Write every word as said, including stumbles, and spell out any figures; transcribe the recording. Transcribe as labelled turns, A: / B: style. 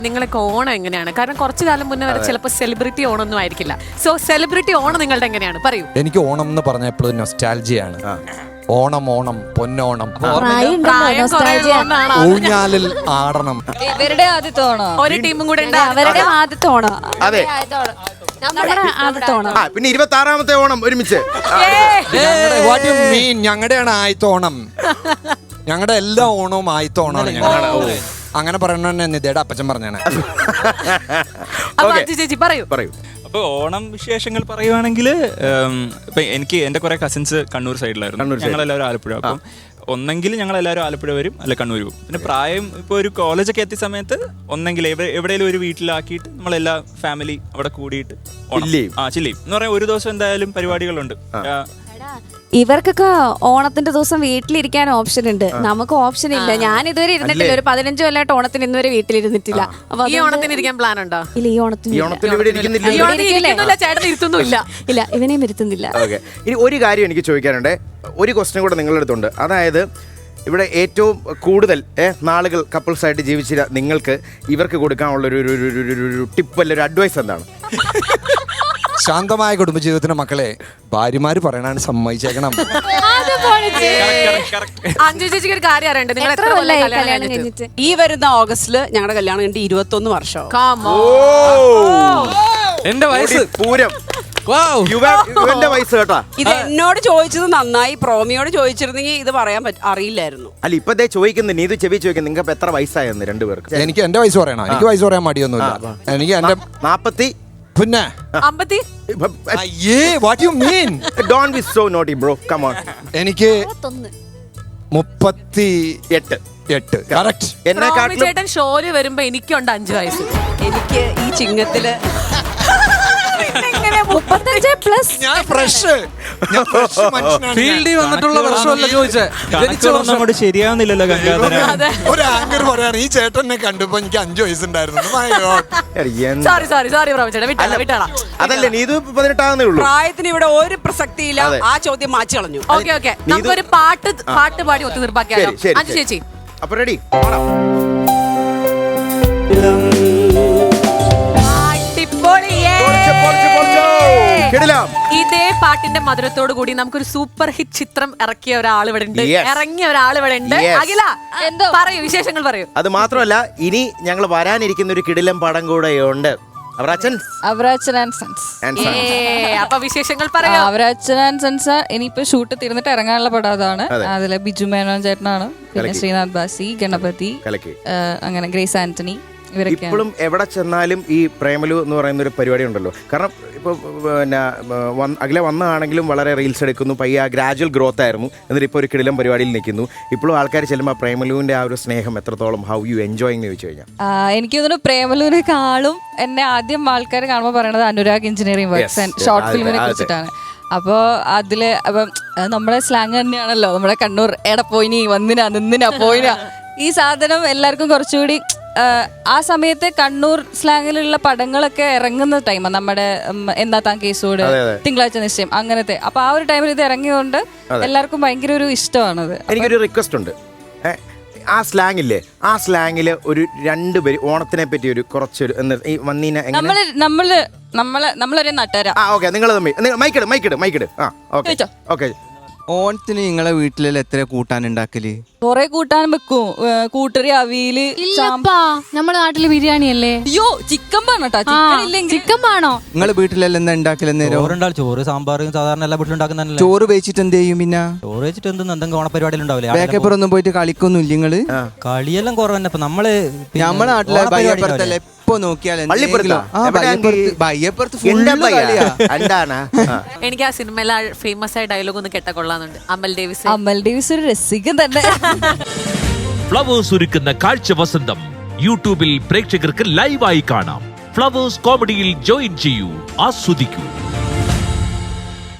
A: നിങ്ങളൊക്കെ ഓണം എങ്ങനെയാണ്? കാരണം കുറച്ചു കാലം മുന്നേ വരെ ചിലപ്പോൾ സെലിബ്രിറ്റി ഓണം ഒന്നും ആയിരിക്കില്ല. സോ സെലിബ്രിറ്റി ഓണം നിങ്ങളുടെ എങ്ങനെയാണ്? പറയൂ.
B: എനിക്ക് ഓണം എന്ന് പറഞ്ഞ എപ്പോഴും നൊസ്റ്റാൾജിയാണ്. ഓണം ഓണം പൊന്നോണം, ഊഞ്ഞാലിൽ ആടണം.
C: ഇവരുടെ ആദ്യത്തെ ഓണം,
A: ഒരു ടീമും കൂടെ
C: അവരുടെ ആദ്യത്തെ ഓണം.
D: അതെ, പിന്നെ ഇരുപത്തി ആറാമത്തെ ഓണം ഒരുമിച്ച്.
B: What you mean? ഞങ്ങളുടെയാണ് ആദ്യത്തെ ഓണം. ഞങ്ങളുടെ എല്ലാ ഓണവും ആദ്യത്തെ ഓണമാണ് ഞങ്ങളുടെ. അങ്ങനെ പറയണ നിതയുടെ അപ്പച്ചൻ പറഞ്ഞാണ്.
A: ചേച്ചി പറയൂ
D: പറയൂ.
E: അപ്പോൾ ഓണം വിശേഷങ്ങൾ പറയുവാണെങ്കിൽ ഇപ്പം എനിക്ക് എൻ്റെ കുറേ കസിൻസ് കണ്ണൂർ സൈഡിലായിരുന്നു. ഞങ്ങളെല്ലാവരും ആലപ്പുഴ. അപ്പം ഒന്നെങ്കിൽ ഞങ്ങളെല്ലാവരും ആലപ്പുഴ വരും, അല്ല കണ്ണൂർ പോകും. പിന്നെ പ്രായം ഇപ്പോൾ ഒരു കോളേജൊക്കെ എത്തിയ സമയത്ത് ഒന്നെങ്കിൽ എവിടെയെങ്കിലും ഒരു വീട്ടിലാക്കിയിട്ട് നമ്മളെല്ലാ ഫാമിലി അവിടെ കൂടിയിട്ട് ആ ചില്ലയും എന്ന് പറയാൻ ഒരു ദിവസം എന്തായാലും പരിപാടികളുണ്ട്.
C: ഇവർക്കൊക്കെ ഓണത്തിന്റെ ദിവസം വീട്ടിലിരിക്കാൻ ഓപ്ഷൻ ഉണ്ട്, നമുക്ക് ഓപ്ഷൻ ഇല്ല. ഞാൻ ഇതുവരെ ഇരുന്നിട്ടില്ല, ഒരു പതിനഞ്ചു കൊല്ലമായിട്ട് ഓണത്തിന് ഇന്നുവരെ വീട്ടിലിരുന്നിട്ടില്ല.
A: ഈ ഓണത്തിന് ഇരിക്കാൻ പ്ലാൻ ഉണ്ടോ?
C: ഇല്ല, ഈ ഓണത്തിന് ഇല്ല, ഇവനെയും ഇരുത്തുന്നില്ല.
D: ഇനി ഒരു കാര്യം എനിക്ക് ചോദിക്കാനുണ്ട്, ഒരു ക്വസ്റ്റ്യൻ കൂടെ നിങ്ങളുടെ അടുത്തുണ്ട്. അതായത് ഇവിടെ ഏറ്റവും കൂടുതൽ നാളുകൾ കപ്പിൾസ് ആയിട്ട് ജീവിച്ച നിങ്ങൾക്ക് ഇവർക്ക് കൊടുക്കാനുള്ള ഒരു ടിപ്പ് അല്ല ഒരു അഡ്വൈസ് എന്താണ്?
B: ശാന്തമായ കുടുംബജീവിതത്തിന് മക്കളെ ഭാര്യമാര് പറയണാണ് സമ്മതിച്ചേക്കണം.
A: അഞ്ജു ചേച്ചിക്ക് ഒരു കാര്യം അറിയണ്ടേ? നിങ്ങൾ
F: ഈ വരുന്ന ഓഗസ്റ്റില് ഞങ്ങളുടെ കല്യാണം കഴിഞ്ഞിട്ട് ഇരുപത്തി ഒന്ന് വർഷം.
B: എന്റെ വയസ്സ്
D: പൂരം. ഇവന്റെ വയസ്സ് കേട്ടാ.
F: ഇത് എന്നോട് ചോദിച്ചത് നന്നായി, പ്രോമിയോട് ചോദിച്ചിരുന്നെങ്കിൽ ഇത് പറയാൻ അറിയില്ലായിരുന്നു.
D: അല്ല, ഇപ്പതേ ചോദിക്കുന്നു, നീ ഇത് ചെവി ചോദിക്കുന്നു, നിങ്ങൾക്ക് എത്ര വയസ്സായെന്ന് രണ്ടുപേർക്ക്?
B: എനിക്ക് എന്റെ വയസ്സ് പറയണം. എനിക്ക് വയസ്സ് പറയാൻ മടിയൊന്നുമില്ല. എനിക്ക് എന്റെ
D: നാപ്പത്തി
B: പിന്നെ എനിക്ക് മുപ്പത്തി എട്ട് എട്ട്
A: ചേട്ടൻ ഷോയില് വരുമ്പോ എനിക്കുണ്ട് അഞ്ചു വയസ്സ്.
F: എനിക്ക് ഈ ചിങ്ങത്തില്
C: മുപ്പത്തഞ്ച് പ്ലസ്
B: ഞാൻ ഫ്രഷ് ഫീൽഡിൽ വന്നിട്ടുള്ള വർഷമല്ല ചോദിച്ചത്.
E: ശരിയാവുന്നില്ലല്ലോ ഗംഗാധര.
B: ഒരു ആങ്കർ പറയാണ് ഈ ചേട്ടനെ കണ്ടപ്പോ എനിക്ക് അഞ്ചു വയസ്സുണ്ടായിരുന്നു.
D: അതല്ലേ നീ ഇത് പതിനെട്ടാകുന്നേ ഉള്ളൂ.
F: പ്രായത്തിന് ഇവിടെ ഒരു പ്രസക്തിയില്ല. ആ ചോദ്യം മാറ്റി കളഞ്ഞു.
A: ഓക്കെ ഓക്കെ, നമുക്കൊരു പാട്ട് പാട്ട് പാടി ഒത്തു തീർപ്പാക്കിയാലോ? അഞ്ജു ചേച്ചി
D: അപ്പൊ റെഡി?
A: ഇതേ പാട്ടിന്റെ മധുരത്തോടു കൂടി നമുക്കൊരു സൂപ്പർ ഹിറ്റ് ചിത്രം ഇറക്കിയ ഒരാൾ ഇവിടെ ഉണ്ട്, ഇറങ്ങിയ ഒരാൾ ഇവിടെ ഉണ്ട്. അഖില പറയൂ, വിശേഷങ്ങൾ പറയൂ.
D: അത് മാത്രമല്ല, ഇനി ഞങ്ങൾ വരാനിരിക്കുന്ന ഒരു കിടിലം പടം കൂടെ ഉണ്ട്.
A: അപ്പൊ വിശേഷങ്ങൾ പറയാം.
C: അവരാച്ചൻ ആൻഡ് സൺസ് ഇനിയിപ്പോ ഷൂട്ട് തീർന്നിട്ട് ഇറങ്ങാനുള്ള പടം അതാണ്. അതിലെ ബിജു മേനോൻ ചേട്ടനാണ്, പിന്നെ ശ്രീനാഥ് ബാസി, ഗണപതി, അങ്ങനെ ഗ്രേസ് ആന്റണി.
D: ഇപ്പോഴും എവിടെ ചെന്നാലും ഈ പ്രേമലു എന്ന് പറയുന്ന ഒരു പരിപാടി ഉണ്ടല്ലോ. കാരണം ഇപ്പോൾ പിന്നെ അഖില വന്നതാണെങ്കിലും വളരെ റീൽസ് എടുക്കുന്നു, പയ്യ ഗ്രാജുവൽ ഗ്രോത്ത് ആയിരുന്നു. എന്നിട്ട് ഇപ്പോൾ ഒരു കിടിലം പരിപാടിയിൽ നിൽക്കുന്നു. ഇപ്പോഴും ആൾക്കാർ ചെല്ലുമ്പോൾ പ്രേമലുവിന്റെ ആ ഒരു സ്നേഹം എത്രത്തോളം ഹൗ യു എൻജോയിങ് എന്ന് ചോദിച്ചു കഴിഞ്ഞാൽ
C: എനിക്ക് തോന്നുന്നു പ്രേമലുവിനെക്കാളും എന്നെ ആദ്യം ആൾക്കാർ കാണുമ്പോൾ പറയണത് Anurag engineering works and short ഫിലിമിനെ കുറിച്ചിട്ടാണ്. അപ്പോൾ അതില് അപ്പം നമ്മുടെ സ്ലാങ് തന്നെയാണല്ലോ, നമ്മുടെ കണ്ണൂർ എട പോയിനി വന്നിനാ നിന്നിനാ പോയിനാ. ഈ സാധനം എല്ലാവർക്കും കുറച്ചുകൂടി ആ സമയത്ത് കണ്ണൂർ സ്ലാങ്ങിലുള്ള പടങ്ങളൊക്കെ ഇറങ്ങുന്ന ടൈമാണ്. നമ്മുടെ എന്നാ താൻ കേസോട്, തിങ്കളാഴ്ച നിശ്ചയം, അങ്ങനത്തെ. അപ്പൊ ആ ഒരു ടൈമിൽ ഇത് ഇറങ്ങിയതുകൊണ്ട് എല്ലാവർക്കും ഭയങ്കര ഒരു ഇഷ്ടമാണത്.
D: എനിക്കൊരു റിക്വസ്റ്റ് ഉണ്ട്, ആ സ്ലാങ്ങില്ലേ, ആ സ്ലാങ്ങില് ഒരു രണ്ടുപേര് ഓണത്തിനെ പറ്റി ഒരു കുറച്ചൊരു വന്നീന
C: നമ്മള് നമ്മള് നമ്മള് നമ്മളൊരു നട്ടുകാരാ.
D: ആ ഓക്കെ, നിങ്ങൾ തമ്മിൽ മൈക്കിട് മൈക്കിട് മൈക്കിട് ആ ഓക്കെ ഓക്കെ.
G: ഓണത്തിന് നിങ്ങളെ വീട്ടിൽ എത്ര കൂട്ടാൻ ഉണ്ടാക്കല്?
C: കൊറേ കൂട്ടാൻ വെക്കും. കൂട്ടറി, അവിയല്.
H: നമ്മുടെ നാട്ടില് ബിരിയാണി അല്ലേ?
C: അയ്യോ, ചിക്കൻ പാണോട്ടാ.
H: ചിക്കൻ പാണോ?
G: നിങ്ങളെ വീട്ടിലെല്ലാം എന്താ ഉണ്ടാക്കല്?
I: നേരം ചോറ്, സാമ്പാർ, സാധാരണ എല്ലാ വീട്ടിലും ഉണ്ടാക്കുന്ന.
G: ചോറ് വെച്ചിട്ട് എന്ത് ചെയ്യും? പിന്നെ
I: ചോറ് വെച്ചിട്ട് എന്തെങ്കിലും എന്തെങ്കിലും ഓണപരിപാടിയിൽ ഉണ്ടാവില്ല.
G: ബേക്കപ്പുറൊന്നും പോയിട്ട് കളിക്കൊന്നും ഇല്ല നിങ്ങള്?
I: കളിയെല്ലാം കുറവ് തന്നെ. ഇപ്പൊ നമ്മള്
G: നമ്മളെ നാട്ടിലെ ബയ്യപ്പുറത്തല്ലേ എപ്പോ നോക്കിയാലും
A: എനിക്ക് ആ സിനിമയിലെ ഫേമസ് ആയ ഡയലോഗ് ഒന്ന് കേട്ട കൊള്ളാന്നുണ്ട്. അമൽ ഡേവിസ്
C: അമൽ ഡേവിസ് ഒരു രസികൻ തന്നെ.
J: ഫ്ലവേഴ്സ് ഒരുക്കുന്ന കാഴ്ച വസന്തം യൂട്യൂബിൽ പ്രേക്ഷകർക്ക് ലൈവായി കാണാം. ഫ്ലവേഴ്സ് കോമഡിയിൽ ജോയിൻ ചെയ്യൂ, ആസ്വദിക്കൂ.